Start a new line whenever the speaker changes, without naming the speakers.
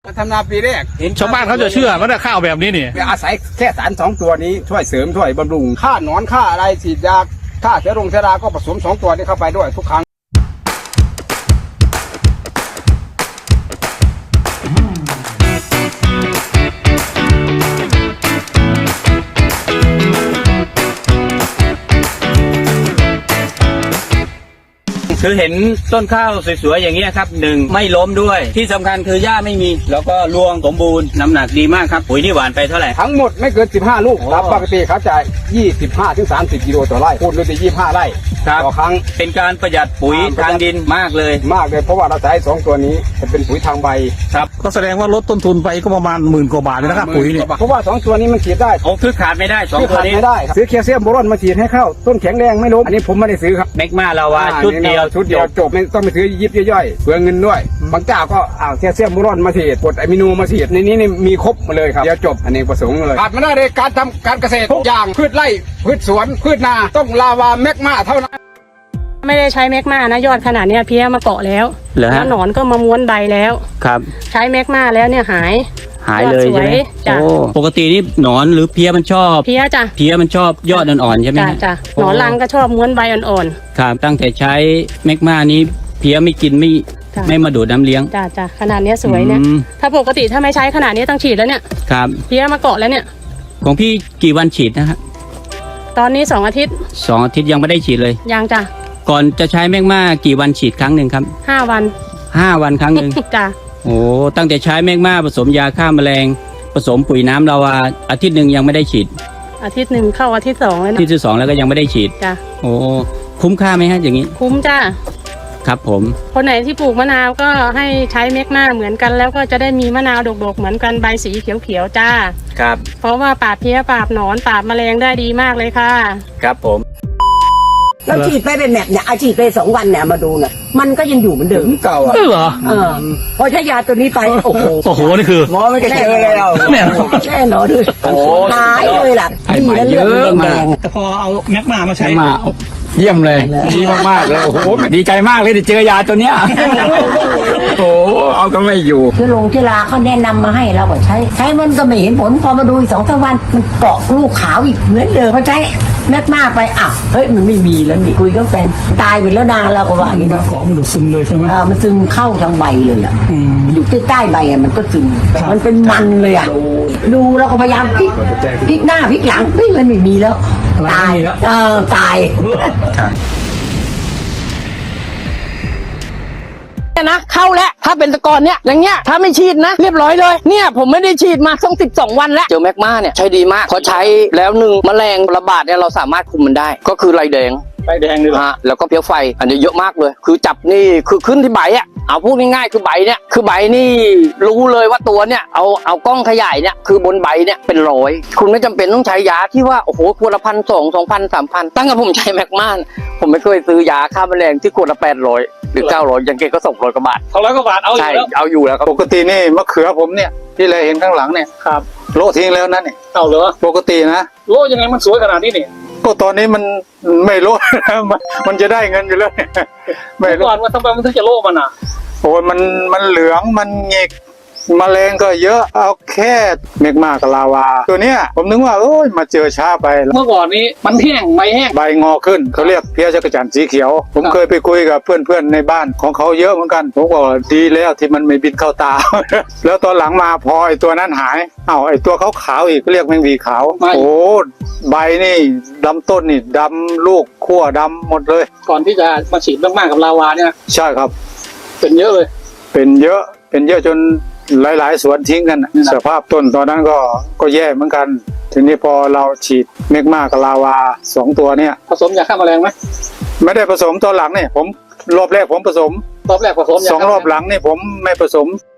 มาทำนาปีแรก
ชาวบ้านเขาจะเชื่อว่าข้าวแบบนี้นี่
อาศัยแค่สาร2 ตัวนี้ช่วยเสริมช่วยบำรุงฆ่าหนอนฆ่าอะไรฉีดยาฆ่าเชื้อราก็ผสม2 ตัวนี้เข้าไปด้วยทุกครั้ง
คือเห็นต้นข้าวสวยๆอย่างเงี้ยครับ1ไม่ล้มด้วยที่สำคัญคือหญ้าไม่มีแล้วก็รวงสมบูรณ์น้ำหนักดีมากครับปุ๋ยนี่หวานไปเท่าไหร่
ทั้งหมดไม่เกิน15 ลูกครับปกติเขาจะ25 ถึง 30 กิโลต่อไร่พูดเลยจะ25 ไร่ต่อครั้ง
เป็นการประหยัดปุ๋ยทางดินมากเลย
เพราะว่าเราใช้2 ตัวนี้จะเป็นปุ๋ยทางใบ
ครับ
ก็แสดงว่าลดต้นทุนไปก็ประมาณ10,000 กว่าบาทเลยนะครับปุ๋ยเนี่ย
เพราะว่า2 ตัวนี้มันฉีดได้
คือขาดไม่ได้2 ตัวนี้
ไม่ได้ซื้อแคลเซียมโบรอนมาฉีดให้เข้าต้นแข็งแรงไม่ล้มอันนี้ผมไม่ได้ซื้อครับ
เมกมาลาวาชุดเดียว
จบไม่ต้องไปซื้อยิบย่อยเปลืองเงินด้วยบางเจ้าก็แคลเซียมโบรอนมาฉีดกรดอะมิโนมาฉีดในนี้มีครบมาเลยครับเดี๋ยวจบอันนี้ประสงค์เลยขาดไม่ได้เลยการทำการเกษตรทุกอย่างพืชไร่พืชสวนพืชนาต้องลาวาเมกมาเท่านั้น
ไม่ได้ใช้แมกมานะยอดขนาดนี้เพี้ยมาเกาะแล้วแล้วหนอนก็มาม้วนใบแล้ว
ครับ
ใช้แมกมาแล้วเนี่ยหาย
เลยใช่ไหมปกตินี่หนอนหรือเพี้ยมันชอบ
เพี้ยจ้ะ
เพี้ยมันชอบยอดอ่อนๆใช่ไหม
จ้ะหนอนรังก็ชอบม้วนใบอ่อน
ๆครับตั้งแต่ใช้แมกมานี้เพี้ยไม่กินไม่มาดูดน้ำเลี้ยง
จ้ะขนาดนี้สวยเนี่ยถ้าปกติถ้าไม่ใช้ขนาดนี้ต้องฉีดแล้วเนี่ย
ครับ
เพี้ยมาเกาะแล้วเนี่ย
ของพี่กี่วันฉีดนะครับ
ตอนนี้2 อาทิตย์
2 อาทิตย์ยังไม่ได้ฉีดเลย
ยังจ้ะ
ก่อนจะใช้แมกมากี่วันฉีดครั้งหนึ่งครับ
5 วัน
5 วันครั้งหนึ่ง
จ้ะ
โอ้ตั้งแต่ใช้แมกมาผสมยาฆ่าแมลงผสมปุ๋ยน้ำลาวาอาทิตย์หนึ่งยังไม่ได้ฉีด
อาทิตย์1เข้าอาทิตย์2แล้วนะ
อาทิตย์ที่2แล้วก็ยังไม่ได้ฉีด
จ้ะ
โอ้คุ้มค่าไหมฮะอย่างนี้
คุ้มจ้ะ
ครับผม
คนไหนที่ปลูกมะนาวก็ให้ใช้แมกมาเหมือนกันแล้วก็จะได้มีมะนาวดกๆเหมือนกันใบสีเขียวๆจ้า
ครับ
เพราะว่าปราบเพี้ยปราบหนอนปราบแมลงได้ดีมากเลยค่ะ
ครับผม
เราฉีดไปเป็นแบบเนี่ยฉีดไป2 วันเนี่ยมาดูเนี่ยมันก็ยังอยู่เหมือนเดิม
เก่า
เหรอ
พอใช้ยาตัวนี้ไปโอ้โห
นี่คือ
หมอไม่ได้เจอเลยเรา
แน่นอนเลยหายเลยล่ะดีแล้วเรื่องแดง
แต่พอเอาแมกมาใช้
มาเยี่ยมเลยดีมากๆเลยโอ้โหดีใจมากเลยได้เจอยาตัวเนี้ยโอ้เอาก็ไม่อยู่
เชื้อราเขาแนะนำมาให้เราก็ใช้มันก็ไม่เห็นผลพอมาดูอีก2-3 วันมันเกาะลูกขาวอีกเหมือนเดิมพอใช้แมกมาไปเฮ้ยมันไม่มีแล้วนี่คุยกับแฟนตายไปแล้วนานเราก็ว่าอย่างนี้นะ
เกาะมันดูซึมเลยใช่ไหม
มันซึมเข้าทางใบเลยอยู่ใต้ใบมันก็ซึมมันเป็นมันเลยดูแล้วก็พยายามพลิกหน้าพลิกหลังมันไม่มีแล้วตายตาย
นะเข้าแล้วถ้าเป็นตะกอนเนี่ยอย่างเงี้ยถ้าไม่ฉีดนะเรียบร้อยเลยเนี่ยผมไม่ได้ฉีดมาต้อง12 วันแล้วเจอแมกมาเนี่ยใช้ดีมากพอใช้แล้ว1แมลงระบาดเนี่ยเราสามารถคุมมันได้ก็คือไรแดง
เลย
ฮะแล้วก็เพี้ยไฟอันนี้เยอะมากเลยคือจับนี่คือขึ้นที่ใบเอาพูดง่ายๆคือใบเนี่ยคือใบนี่รู้เลยว่าตัวเนี่ยเอากล้องขยายเนี่ยคือบนใบเนี่ยเป็น100คุณไม่จำเป็นต้องใช้ยาที่ว่าโอ้โหขวดละ1,200 2,000 3,000ตั้งแต่ผมใช้แมกมาผมไม่เคยซื้อยาฆ่าแมลงที่ขวดละ800หรือ900ยังเกก็200 กว่าบาท
200 กว่าบาทเอาอยู่แล้ว
เอาอยู่แล้วครับ
ปกตินี่มะเขือผมเนี่ยที่เราเห็นข้างหลังเนี่ย
ครับ
โลทิ้งแล้วนั่นนี่
เอาเหรอ
ปกตินะ
โลยังไงมันสวยขนาดนี้นี่
ก็ตอนนี้มันไม่โลมันจะได้เงินอยู่แล้ว
ไม่โลว่าทำไมมันถึงจะโลมัน
โอ้ยมันเหลืองมันเงกแมลงก็เยอะเอาแค่เมกมากับลาวาตัวเนี้ยผมนึกว่ามาเจอช้าไป
เมื่อก่อนนี้มันแห้งใบแห้ง
ใบงอขึ้นเขาเรียกเพี้ยจักรจั่นสีเขียวผมเคยไปคุยกับเพื่อนๆในบ้านของเขาเยอะเหมือนกันผมบอกดีแล้วที่มันไม่บินเข้าตา แล้วตอนหลังมาพอไอ้ตัวนั้นหายไอ้ตัวขาวๆอีกเรียกแมงวีขาวโอ้ใบนี่ดำต้นนี่ดำลูกขั้วดำหมดเลย
ก่อนที่จะมาฉีดมากๆกับลาวาเนี่ย
ใช่ครับ
เป็นเยอะเลย
เป็นเยอะจนหลายๆสวนทิ้งกันสภาพต้นตอนนั้นก็แย่เหมือนกันทีนี้พอเราฉีดเมกมากับลาวา2 ตัวเนี่ย
ผสมยาฆ่าแมลงไหม
ไม่ได้ผสมตอนหลังเนี่ยผมรอบแรกผมผสม
2 รอบหลังนี่ผมไม่ผสม